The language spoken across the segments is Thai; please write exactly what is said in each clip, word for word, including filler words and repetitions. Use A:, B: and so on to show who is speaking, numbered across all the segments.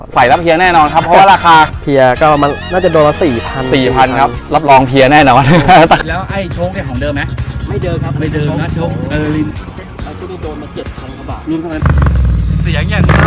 A: ใส่แล้วเพียแน่นอนครับเพราะว่าราคา
B: เพียก็มันน่าจะโดนละสี่พัน
A: สี่พันครับรับรองเพียแน่นอน
C: แล้วไอ้โชคเนี่ยของเดิมไหม
B: ไม่เดิมครับ
C: ไม่เดิมนะโชคเออลิน
B: ไอ้ตัวนี้โดนมาเจ็ดพันกว่าบาท
C: รวมเท่านั้นเสียงอย่างนี้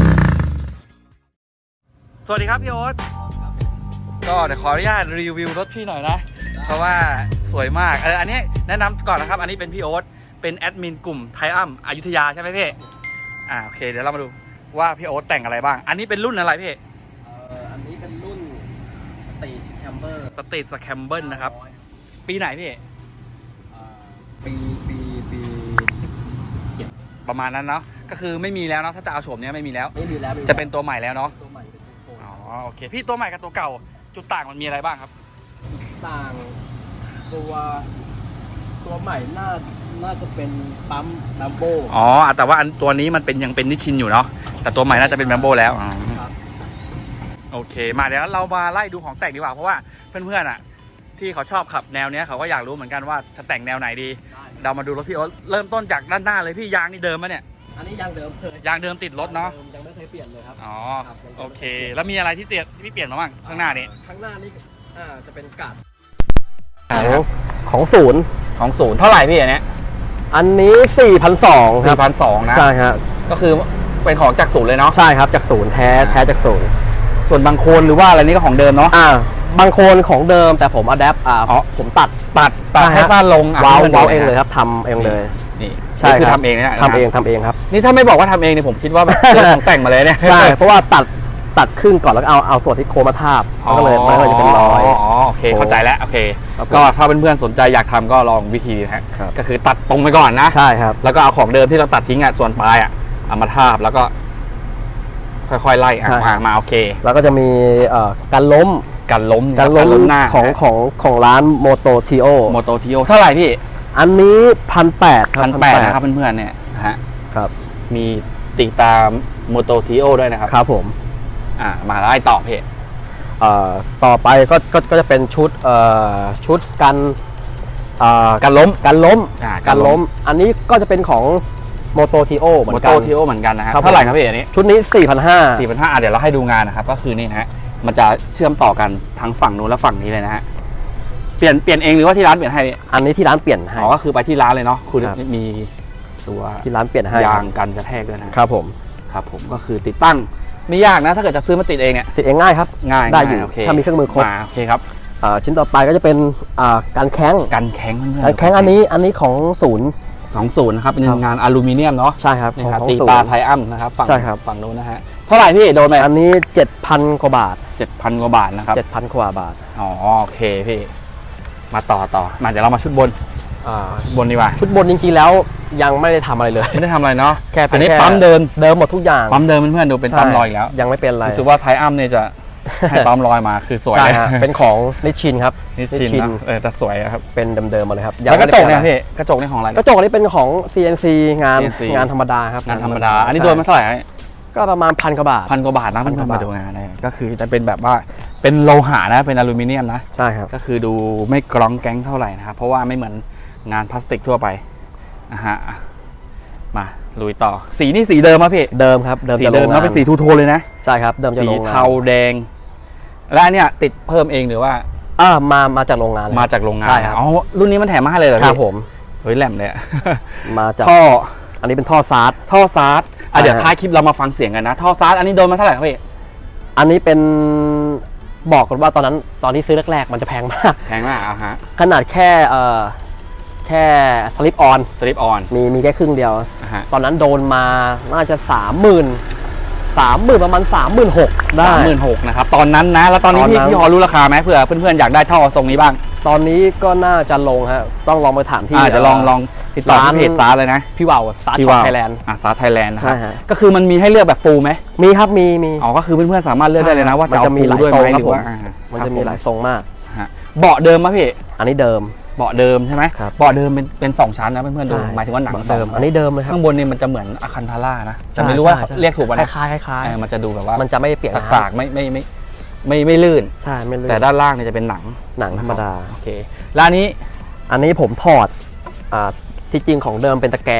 C: สวัสดีครับพี่โอ๊ตก็เดี๋ยวขออนุญาตรีวิวรถพี่หน่อยนะเพราะว่าสวยมากเอออันนี้แนะนำก่อนนะครับอันนี้เป็นพี่โอ๊ตเป็นแอดมินกลุ่มไทอัมอยุธยาใช่ไหมพี่อ่าโอเคเดี๋ยวเรามาดูว่าพี่โอ๊ตแต่งอะไรบ้างอันนี้เป็นรุ่นอะไรพี่
B: เอ่ออันนี้เป็นรุ่นสตีสแคมเบอร์
C: สเตทสแคมเบิลนะครับปีไหนพี่
B: ปีปีปี
C: ประมาณนั้นเนาะก็คือไม่มีแล้วเนาะถ้าจะเอาโฉมเนี้ยไม่มีแล้ว
B: ไม่มีแล้ว
C: จะเป็นตัวใหม่แล้วเนาะ
B: ตัวใหม่เป็นตัวโค
C: อ๋อโอเคพี่ตัวใหม่กับตัวเก่าจุดต่างมันมีอะไรบ้างครับ
B: ต่างตัวตัวใหม่น่าน่าจะเป็นปั๊มลัมโบ
C: อ๋อแต่ว่าอันตัวนี้มันเป็นยังเป็นนิชชินอยู่เนาะแต่ตัวใหม่น่าจะเป็นแบมโบแล้วอ๋อ
B: ครับ
C: โอเคมาเดี๋ยวเรามาไล่ดูของแต่งดีกว่าเพราะว่าเพื่อนๆอ่ะที่เขาชอบขับแนวเนี้ยเขาก็อยากรู้เหมือนกันว่าจะแต่งแนวไหนดีเรามาดูรถพี่โอ๊ตเริ่มต้นจากด้านหน้าเลยพี่ยางนี่เดิมปะเนี่ย
B: อันนี้ยางเดิมเลย
C: ยางเดิมติดรถเนาะ
B: ยังไม่เคยเปลี่ยนเลยครับ
C: อ๋อโอเค แล้วมีอะไรที่เปลี่ยนที่เปลี่ยนมาบ้างข้างหน้านี้
B: ข้างหน้านี่อ่าจะเป็นกาดของของศูนย์
C: ของศูนย์เท่าไหร่พี่อันเนี้ย
B: อันนี้สี่พันสองค
C: สี่
B: รับ
C: พันสองนะ
B: ใช่ครับ
C: ก็คือเป็นของจากศูนย์เลยเนาะ
B: ใช่ครับจากศูนย์แท้แท้จากศูนย์
C: ส่วนบางโคนหรือว่าอะไรนี่ก็ของเดิมเนาะ
B: อ่าบางโคนของเดิมแต่ผมอัดแอปอ่า
C: อ๋อ
B: ผมตัด
C: ตัดตัด
B: ใช่
C: ให้
B: ฮะ
C: สั้นลงะ
B: ว้าว
C: ให้มัน
B: ว้าว
C: ดู
B: เองเลย
C: นะครับ
B: ทำเองเลย
C: นี่
B: ใช่
C: นี่คือ
B: ครับ
C: ทำเองนะ
B: ทำเองทำเองครับ
C: นี่ถ้าไม่บอกว่าทำเองเนี่ยผมคิดว่าแบบซื้อของแต่งมาเลยเนี่ย
B: ใช่เพราะว่าตัดตัดครึ่งก่อนแล้วก็เอาเอาส่วนที่โคมาทาบมันก็เลยมันก็เลยจะเป็นรอย
C: อ๋อโอเคเข้าใจแล้วโอเค
B: ครับผม
C: ก็ถ้าเพื่อนๆสนใจอยากทำก็ลองวิธีนะฮะ
B: ครับ
C: ก็คือตัดตรงไปก่อนนะ
B: ใช่ครับ
C: แล้วก็เอาของเดิมที่เราตัดทิ้งอ่ะส่วนปลายอ่ะเอามาทาบแล้วก็ ค่อยๆไล่อ่ะ
B: ใช่
C: มามาโอเค
B: แล้วก็จะมีเอ่อการล้ม
C: กันล้ม
B: การล้ม
C: หน้า
B: ของของของร้านโมโตทีโอ
C: โมโตทีโอเท่าไหร่พี่
B: อันนี้พันแปด
C: พันแปดนะครับเพื่อนๆเนี่ยนะฮะ
B: ครับ
C: มีติดตามโมโตทีโอด้วยนะครับ
B: ครับผม
C: อ่ามาไล่ต่อพี่
B: เอ่อต่อไปก็ก็ก็จะเป็นชุดเอ่อชุดกันเอ่อ
C: กันล้ม
B: กันล้ม
C: อ่า
B: กันล้ม อันนี้ก็จะเป็นของโมโตทีโอเหมือ
C: โม
B: น
C: โต
B: กัน
C: ทีโอเหมือนกันนะครับ
B: ครับ
C: เท่าไหร่ครับพี่อันนี้
B: ชุดนี้ สี่พันห้าร้อย
C: สี่พันห้าเดี๋ยวเราให้ดูงานนะครับก็คือนี่นะฮะมันจะเชื่อมต่อกันทั้งฝั่งนู้นและฝั่งนี้เลยนะฮะเปลี่ยนเปลี่ยนเองหรือว่าที่ร้านเปลี่ยนให้พี่
B: อันนี้ที่ร้านเปลี่ยนให้
C: อ๋อก็คือไปที่ร้านเลยเนาะคุณ
B: ครับ
C: มีตัว
B: ที่ร้านเปลี่ยนให้
C: ยางกันกระแทกด้วยนะ
B: ครับผม
C: ครับผมก็คือติดตั้งไม่ยากนะถ้าเกิดจะซื้อมาติดเองเนี่ย
B: ติดเองง่ายครับ
C: ง่าย
B: ได้อยู่
C: ง่โอเค
B: ถ้ามีเครื่องมือครบ
C: มาโอเคครับ
B: อ่าชิ้นต่อไปก็จะเป็นอ่าการแข้ง
C: กันแข็งเพื่อน
B: การแข้งอันนี้อันนี้ของศูนย์
C: สองศูนย์นะครับเป็น
B: ครับ
C: งานอลูมิเนียมเนาะ
B: ใช่ครับ
C: นี่
B: ของ
C: ครับ
B: ของ
C: ตี
B: ศูน
C: ตา
B: ย์
C: ไทอัมนะครับฝั่ง
B: ใช่ครับ
C: ฝั่งนู้นนะฮะเท่าไหร่พี่โดนไป
B: อันนี้ เจ็ดพัน กว่าบาท
C: เจ็ดพันกว่าบาทนะครับ
B: เจ็ดพัน กว่าบาท
C: อ๋อโอเคพี่มาต่อต่อมาเดี๋ยวเรามาชุดบน
B: อ่า
C: ชุดบนดีกว่า
B: ชุดบนจริงๆแล้วยังไม่ได้ทำอะไรเลย
C: ไม่ได้ทำอะไรเนาะ
B: แค่เป็
C: อั
B: น
C: นนี้
B: แค่
C: ปั๊มเดิน
B: เดิมหมดทุกอย่าง
C: ปั๊มเดินเพื่อนๆดูเป็นปั๊มรอยอีกแล้ว
B: ยังไม่เป็นอะไร
C: รู้สึกว่าไทอัมเนี่ยจะ ให้ปั๊มรอยมาคือสวย
B: ใช่
C: เลย
B: ฮะเป็นของนิชชินครับ
C: นี่ชินนะเออแต่สวยอะครับ
B: เป็นเดิมๆมาเลยครับ
C: แล้วกระจกเนี่ย
B: งไม่ได้
C: พี่กระจกนี่ของอะไร
B: กระจกอันนี้เป็นของ ซี เอ็น ซี งาน
C: ซี เอ็น ซี
B: งานธรรมดาครับ
C: งานธรรมดา อันนี้โดนมาเท่าไหร่ฮะ
B: ก็ประมาณพันกว่าบาท
C: พันกว่าบาทนะ
B: พั
C: เพื่
B: น
C: อก น
B: ว่า
C: ๆ
B: บาท
C: มาดูงานเลยก็คือจะเป็นแบบว่าเป็นโลหะนะเป็นอลูมิเนียมนะ
B: ใช่ครับ
C: ก็คือดูไม่กร้องแก๊งเท่าไหร่นะครับเพราะว่าไม่เหมือนงานพลาสติกทั่วไปนะฮะมาลุยต่อสีนี่สีเดิมป่ะพี่
B: เดิมครับเดิม
C: สี
B: จะล
C: เดิม
B: ง
C: แล้ว
B: งาน
C: เป็นสีทูโทนเลยนะ
B: ใช่ครับเดิมจะ
C: สี
B: ลงงาน
C: เทาแดง และอันเนี้ยติดเพิ่มเองหรือว่า
B: อ่ามามาจากโรงงานเลย
C: มาจากโรงงาน
B: ใช่ครับ
C: อ๋อรุ่นนี้มันแถมมาให้เลยเหรอ
B: ครั
C: พี่
B: บผม
C: เฮ้ยแหลมเลยอะ
B: มาจาก
C: ท่อ
B: อันนี้เป็นท่อซาร์ด
C: ท่อซาร์ดอ่ะ
B: ใช่
C: เดี๋ยว
B: ฮะ
C: ท้ายคลิปเรามาฟังเสียงกันนะท่อซาร์ดอันนี้โดนมาเท่าไหร่ครับพี่
B: อันนี้เป็นบอกกันว่าตอนนั้นตอนที่ซื้อแรกๆมันจะแพงมาก
C: แพงมากอ่ะฮะ
B: ขนาดแค่เอ่อแค่สลิปออน
C: สลิปออน
B: มีมีแค่ครึ่งเดียว
C: อ่ะฮะ
B: ตอนนั้นโดนมาน่าจะสามหมื่นสามหมื่นประมาณสามหมื่นหกได้
C: สามหมื่นหกนะครับตอนนั้นนะแล้วตอนนี้
B: ตอน
C: พี่
B: นั้น
C: พี่พอรู้ราคาไหมเผื่อเพื่อนๆอยากได้ท่อทรงนี้บ้าง
B: ตอนนี้ก็น่าจะลงฮะต้องลองไปถามที่
C: อ่าจะลองลองติดต่อ
B: ร้าน
C: ที่เพจซาร์เลยนะ
B: พี่ว่าวซาร์
C: ที่
B: ช็อป
C: ว่า
B: ไทยแลนด์
C: อ่าซาร์ไทยแลนด์นะค
B: ใช่
C: รับ
B: ฮะ
C: ก็คือมันมีให้เลือกแบบฟูลไหม
B: มีครับมีมี
C: อ๋อก็คือเพื่อนๆสามารถเลือกได้เลยนะว่าจะเอา
B: มันจะมี
C: ฟูล
B: หลาย
C: ด้วยไหม
B: ทรง
C: หรือว่า
B: ครับผม
C: อ่า
B: มันจะมีหลายทรงมาก
C: ฮะเบาะเดิมป่ะพี่
B: อันนี้เดิม
C: เบาะเดิมใช่ไหม
B: ครับ
C: เบาะเดิมเป็นเป็นสองชั้นนะเพื่อนๆดู
B: ใช่
C: หมายถึงว่าหนัง
B: เดิม
C: สง
B: อันนี้เดิมเลยครับ
C: ข้างบนนี่มันจะเหมือนอะคันทาร่านะ
B: ใช่
C: แต่ไม่รู้ว่า
B: ใช่ใช่
C: เรียกถูกป่ะ
B: ค
C: นะ
B: ล้ายๆคล้าย
C: เออมันจะดูแบบว่า
B: ๆมันจะไม่เปลี่ยน
C: สากๆไม่ไม่ไม่ไม่ไม่ลื่น
B: ใช่ไม่ลื่น
C: แต่ด้านล่างเนี่ยจะเป็นหนัง
B: หนังธรรมดา
C: โอเคแล้วอันนี้
B: อันนี้ผมถอดอ่าที่จริงของเดิมเป็นตะแกรง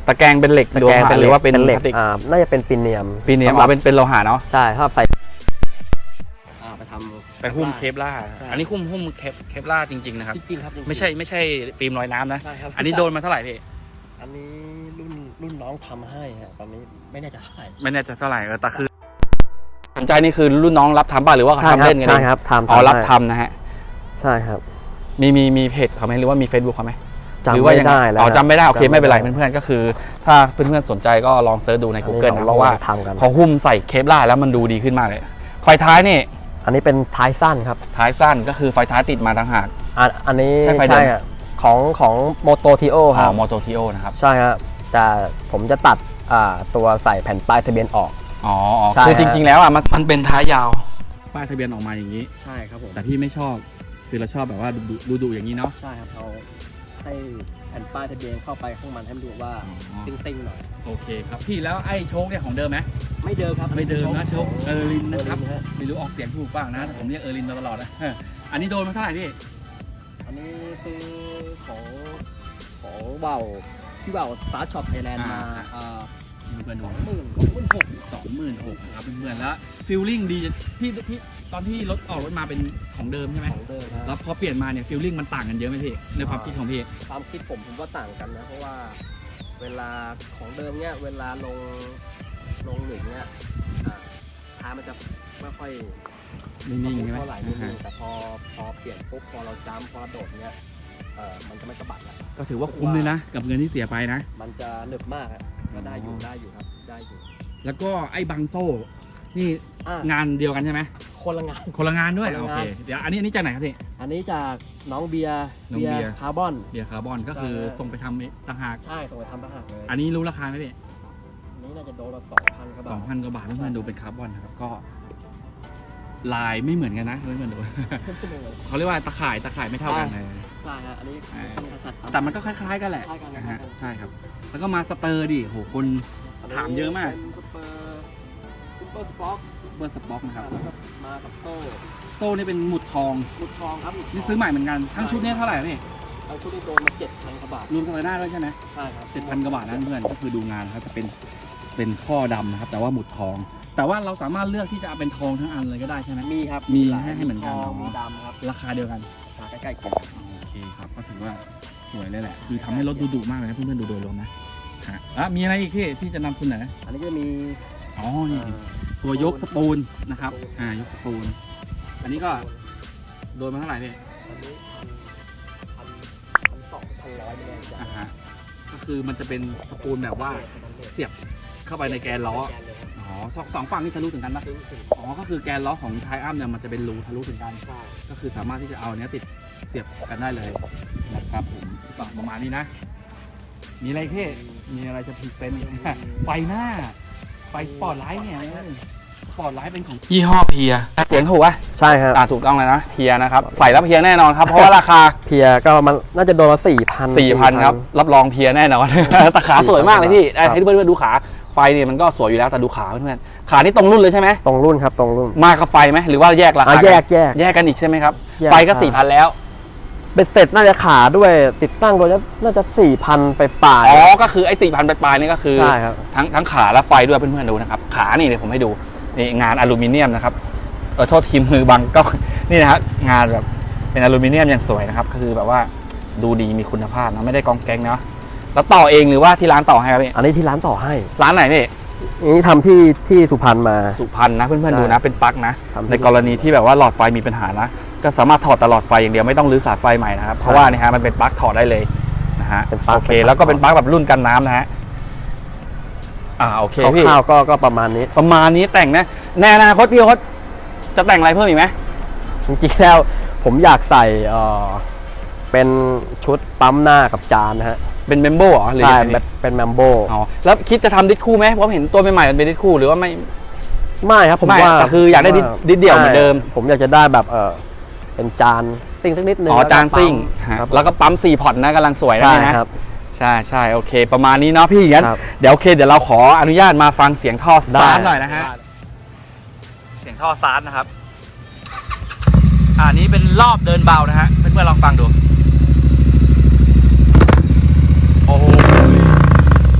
A: ตะแกรงเป็นเหล็ก
D: ตะ
A: โล
D: แกรง
A: หะ
D: เป็น
A: หรือว่าเป็น
D: เหล็ก
A: พลาสติก
D: อ่าน่าจะเป็นปีเนียม
A: ปีเนียม
D: สำหรั
A: เอา
D: บ
A: เป็นเป็นโลหะเนาะ
D: ใช่ครับใส่
B: อ่าไปทำ
C: ไปหุ้มเคปล่า
B: ใช่
C: อันนี้หุ้มหุ้มเคปเคปล่าจริงๆนะครับ
B: จริงๆครับจริงๆ
C: ไม่ใช่ไม่ใช่ฟิล์มลอยน้ำนะ
B: ใช่ครับ
C: อันนี้โดนมาเท่าไหร่พี่
B: อันนี้รุ่นรุ่นน้องทำให้ฮะตอนนี้ไม่แน่ใจเท่าไหร่
C: ไม่แน่ใจเท่าไหร่เออแต่คือ
A: สนใจนี่คือรุ่นน้องรับทำป่ะหรือว่าเขา
D: ใช่
A: ทำ
D: ครับ
A: เล่นกัน
D: ใช่
A: เอง
D: ครับทำ
A: อ๋อรับ
D: ให้
A: ทำนะฮะ
D: ใช่ครับ
A: มีมีมีเพจเขาไหมหรือว่ามี Facebook เขาไหม
D: จำ
A: หรือว่า
D: ไม่
A: ยังง
D: ได้แล้ว
A: อ๋อจำไม่ได้โอเค
D: จำ
A: ไม่เป็นไร
D: ด้
A: เพื่อนๆก็คือ ถ้าเพื่อนๆสนใจก็ลองเซิร์ชดูใน Google
D: อั
A: นะ
D: น
A: เพ
D: นี้
A: ราะว่า
D: ทำกัน
A: พอหุ้มใส่เคปล่าแล้วมันดูดีขึ้นมากเลยไฟท้ายนี่
D: อันนี้เป็นท้ายสั้นครับ
A: ท้ายสั้นก็คือไฟท้ายติดมาต่างหาก
D: อันอันนี้
A: ใช่ไฟเดิม
D: อะของของโมโตทีโอค
A: อ๋
D: รั
A: อบ มอโตทีโอนะครับ
D: ใช่ครับแต่ผมจะตัดอ่าตัวใส่แผ่นป้ายทะเบียนออก
A: อ๋ออ๋อ
D: ใช่
A: คือจริง ๆ แล้วอ่ะมัน
C: มันเป็นท้ายยาวป้ายทะเบียนออกมาอย่างนี้
B: ใช่ครับผม
C: แต่พี่ไม่ชอบคือเราชอบแบบว่าดูดูดูอย่างนี้เนาะ
B: ใช่ครับเราให้แผ่นป้ายทะเบียนเข้าไปข้างมันให้มันดูว่า
C: อ๋อ
B: ซิงๆหน่อย
C: โอเคครับพี่แล้วไอ้โชคเนี่ยของเดิมไหม
B: ไม่เดิมครับ
C: ไม่เดิมนะโชคเออร์ลินนะครับ
B: เออลินฮะ
C: ไม่รู้ออกเสียงถูกบ้างนะแต่ผมเรียกเออร์ลินมาตลอดนะเอออันนี้โดนมาเท่าไหร่พี่
B: อันนี้ซื้อของของเบาพี่เบาสตาร์ช็อปไทยแลนด์มาอ่า
C: เพื่อนๆ
B: ส
C: ดู
B: องหมื่นสองหมื่นหก
C: สองหมื่นหกครับเพื่อนๆแล้วฟิลลิ่งดีพี่พี่ตอนที่รถออกรถมาเป็นของเดิมใช่ไหม
B: ของเดิมค
C: แล้
B: รับ
C: วพอเปลี่ยนมาเนี่ยฟิลลิ่งมันต่างกันเยอะไหมพี่ในความคิดของพี่
B: ความคิดผมผมว่าต่างกันนะ เพราะว่าเวลาของเดิมเนี่ยเวลาลงลงหนึ่งเนี่ยอ่าท้ายมันจะไม่ค่อย
C: นิ่งๆใช่ไหม
B: เท่าไหร่นิ่งๆแต่พอพอเปลี่ยนปุ๊บพอเราจ้ำพอเราโดดเนี่ยเออมันจะไม่สะบัดแล้ว
C: ก็ถือว่าคุ้มเลยนะ กับเงินที่เสียไปนะ
B: มันจะหนึบมากอะก็ได้อยู่ได้อยู่ครับได้อยู่
C: แล้วก็ไอ้บังโซ่ นี่
B: อ่ะ
C: งานเดียวกันใช่ไหม
B: คนละงาน
C: คนละงานด้วย
B: คนละ
C: โอง
B: าน
C: เคเดี๋ยวอันนี้อันนี้จากไหนครับพี่
B: อันนี้จากน้องเบียร์
C: น้องเบียร์
B: คาร์บอน
C: เบียร์คาร์บอนก็คือ
B: ใช่
C: ส่งไปทำต่างหาก
B: ใช่ส่งไปทำต่างหากเลย
C: อันนี้รู้ราคาไหมพี่
B: อันนี้น่าจะโดนละสองพันครับ
C: สองพันกว่าบาทเพื่อนๆดูเป็นคาร์บอนนะครับก็ลายไม่เหมือนกันนะเพื่อนๆดู เขาเรียกว่าตะข่ายตะข่ายไม่เท่ากันเลย
B: ใช่ฮะอันนี้เป็นกษัตริย์
C: แต่มันก็คล้ายๆกันแหละ
B: คล้ายกัน
C: นะ
B: ครั
C: ฮะ
B: บ
C: ใช่ครับ แล้วก็มาสเตอร์ดิโหคนถามเยอะมาก
B: เป็นซุปเปอร์ซุปเปอร์สป็อก
C: เบอร์สป็อกนะครับ
B: แล้วก็มากับโซ่
C: โซ่นี่เป็นหมุดทอง
B: หมุดทองครับหมุดทง
C: นี่ซื้อใหม่เหมือนกันทั้งชุดนี้เท่าไหร่พี่
B: เอาชุดนี้โดนมาเจ็ดพันกว่าบาท
C: รวมสไลเดอร์ด้วยใช่ไหม
B: ใช่ครับ
C: เจ็ดพันกว่าบาทนั่นเพื่อนก็คือดูงานครับจะเป็นเป็นข้อดำนะครับ แต่ว่าหมุดทอง แต่ว่าเราสามารถเลือกที่จะเอาเป็นทองทั้งอันเลยก็ได้ใช่ไหม
B: มีครับ
C: มี
B: ลาย
C: ให้เหมือนกัน
B: ทอง
C: เนอะ
B: มีดำครับ
C: ราคาเดียวกัน
B: ราคาใกล้ๆกัน
C: โอเคครับก็ถือว่าสวยเลยแหละคือทำให้รถดูดุมากเลยนะเพื่อนๆดูโดยรวมนะฮะอ่ะมีอะไรอีกที่ที่จะนำเสนอ
B: อันนี้ก็มี
C: อ๋อนี่ตัวยกสปูลนะครับอ่ายกสปูลอันนี้ก็โดนมาเท่าไหร่พี่
B: อันนี้พันพันสองพันร้อยไม่แน่ใจ
C: อ่าฮะก็คือมันจะเป็นสปูลแบบว่าเสียบเข้าไปในแกนล้อ อ๋อสองสองฝั่งนี่ทะลุถึงกันปะ
B: ถึงถึง
C: อ๋อ ก็คือแกนล้อของไทอัมเนี่ยมันจะเป็นรูทะลุถึงกัน
B: ใช่
C: ก็คือสามารถที่จะเอาอันเนี้ยติดเสียบกันได้เลยนะครับผมก็ประมาณนี้นะ มีอะไรพี่มีอะไรจะพรีเซนต์อีกไหมไฟหน้า ไฟสปอร์ตไลท์เนี่ยสปอร์ตไลท์เป็นของยี่ห้อเพีย
A: เสียงถูกปะ
D: ใช่ครับ
A: อ่าถูกต้องเลยนะเพียนะครับใส่แล้วเพียแน่นอนครับเพราะว่าราคา
D: เพียก็มันน่าจะโดนละสี่พัน
A: สี่พันครับรับรองเพียแน่นอน แต่ขาสวยมากเลยพี่
D: ครับ
A: ให้เพื่อนๆดูขาไฟเนี่ยมันก็สวยอยู่แล้วแต่ดูขาเพื่อนๆขานี่ตรงรุ่นเลยใช่ไหม
D: ตรงรุ่นครับตรงรุ่น
A: มากับไฟไหมหรือว่าแยกรา
D: อ่ะ
A: คา
D: แยกแยก
A: แยกกันอีกใช่ไหมครับ
D: แยก
A: ไฟก็
D: ใช่
A: สี่พันแล้ว
D: เบ็ดเสร็จน่าจะขาด้วยติดตั้งโดยน่าจะสี่พันไปปลาย
A: อ๋อก็คือไอ้สี่พันปลายๆนี่ก็คือ
D: ใช่ครับ
A: ทั้งทั้งขาและไฟด้วยเพื่อนๆดูนะครับขานี่เดี๋ยวผมให้ดูนี่งานอลูมิเนียมนะครับเออโทษทีมือบังก็ นี่นะครับงานแบบเป็นอลูมิเนียมอย่างสวยนะครับก็คือแบบว่าดูดีมีคุณภาพนะไม่ได้กองแก๊งเนาะแล้วต่อเองหรือว่าที่ร้านต่อให้ครับพี่
D: อันนี้ที่ร้านต่อให้
A: ร้านไหนพี่
D: นี่ทำที่ที่สุพรรณมา
A: สุพรรณนะเพื่อน
D: ใช่
A: ๆดูนะเป็นปลั๊กนะ
D: ทำที่
A: ในกรณีที่แบบว่าหลอดไฟมีปัญหานะก็สามารถถอดตลอดไฟอย่างเดียวไม่ต้องรื้อสายไฟใหม่นะครับ
D: ใช่
A: เพราะว่านี่ฮะมันเป็นปลั๊กถอดได้เลยนะฮะ
D: เป็นปลั๊ก
A: โอเค
D: เป็นปลั๊ก
A: แล้วก็เป็นปลั๊กแบบรุ่นกันน้ำนะฮะอ่าโอเคพี่
D: คร่าวๆก็ก็ประมาณนี้
A: ประมาณนี้แต่งนะในอนาคตพี่โอ๊ตจะแต่งอะไรเพิ่มอีกไหม
D: จริงๆแล้วผมอยากใส่เอ่อเป็นชุดปั๊มหน้ากับจานนะฮะ
A: เป็นเมมโบเหรอหรือ
D: ใช่
A: ยังไง
D: แบบเป็นแมมโบ
A: อ๋อแล้วคิดจะทำดิสคู่ไหมเพราะเห็นตัวใหม่ๆมันเป็นดิสคู่หรือว่าไม่
D: ไม่ครับผม
A: ไม่
D: ว่า
A: แต่คืออยากได้ดิสดิสเดี่ยวเหมือนเดิม
D: ใช่ผมอยากจะได้แบบเออเป็นจานซิ่งสักนิดนึง
A: อ๋อ
D: แล้วก็
A: จานซิ่ง
D: ปั๊ม
A: ฮะ
D: ครับ
A: แล้วก็ปั๊มสี่พอร์ตนะกำลังสวยนะ
D: ใช่
A: นี่นะ
D: ครับ
A: ใช่ใช่โอเค ประมาณนี้เนาะพี่งั้น
D: ครับ
A: เดี๋ยวโอเคเดี๋ยวเราขออนุญาตมาฟังเสียงท่อ
D: ได้
A: ซาร์หน่อยนะฮะเสียงท่อซาร์นะครับอ่านี้เป็นรอบเดินเบานะฮะเพื่อนๆลองฟังดูโอ้โห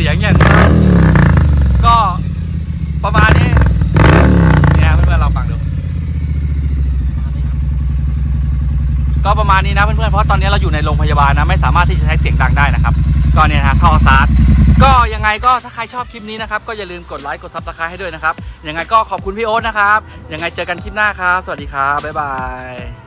C: ยงอย่างนั้นก็ประมาณนี้เนี่ยเพื่อนๆเราฟังดูก็ประมาณนี้นะเพื่อนๆเพราะตอนนี้เราอยู่ในโรงพยาบาลนะไม่สามารถที่จะใช้เสียงดังได้นะครับก็เนี่ยนะท่อซาร์ดก็ยังไงก็ถ้าใครชอบคลิปนี้นะครับก็อย่าลืมกดไลค์กดซับสไครต์ให้ด้วยนะครับยังไงก็ขอบคุณพี่โอ๊ตนะครับยังไงเจอกันคลิปหน้าครับสวัสดีครับบ๊ายบาย